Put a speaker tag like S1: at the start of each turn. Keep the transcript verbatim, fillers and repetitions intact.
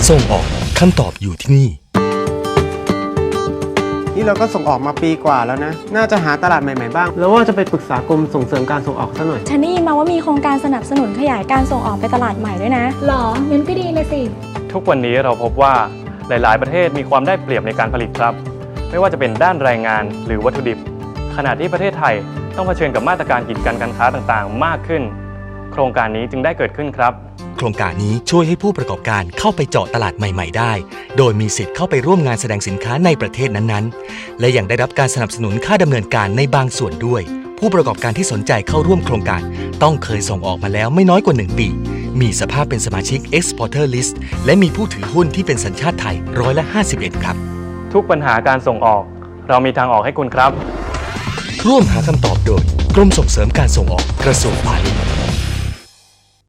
S1: ส่งออกคำตอบอยู่ที่นี่
S2: นี่เราก็ส่งออกมาปีกว่าแล้วนะน่าจะหาตลาดใหม่ๆบ้างแล้วว่าจะไปปรึกษากรมส่งเสริมการส่งออกซะหน่อย
S3: ฉันได้ยินมาว่ามีโครงการสนับสนุนขยายการส่งออกไปตลาดใหม่ด้วยนะ
S4: หรองั้นก็ดีเลยสิ
S5: ทุกวันนี้เราพบว่าหลายๆประเทศมีความได้เปรียบในการผลิตครับไม่ว่าจะเป็นด้านแรงงานหรือวัตถุดิบขณะที่ประเทศไทยต้องเผชิญกับมาตรการกีดกันการค้าต่างๆมากขึ้นโครงการนี้จึงได้เกิดขึ้นครับ
S1: โครงการนี้ช่วยให้ผู้ประกอบการเข้าไปเจาะตลาดใหม่ๆได้โดยมีสิทธิ์เข้าไปร่วมงานแสดงสินค้าในประเทศนั้นๆและยังได้รับการสนับสนุนค่าดำเนินการในบางส่วนด้วยผู้ประกอบการที่สนใจเข้าร่วมโครงการต้องเคยส่งออกมาแล้วไม่น้อยกว่าหนึ่งปีมีสภาพเป็นสมาชิก Exporter List และมีผู้ถือหุ้นที่เป็นสัญชาติไทยร้อยละห้าสิบเอ็ดครับ
S5: ทุกปัญหาการส่งออกเรามีทางออกให้คุณครับ
S1: ร่วมหาคำตอบโดยกรมส่งเสริมการส่งออกกระทรวงพาณิชย์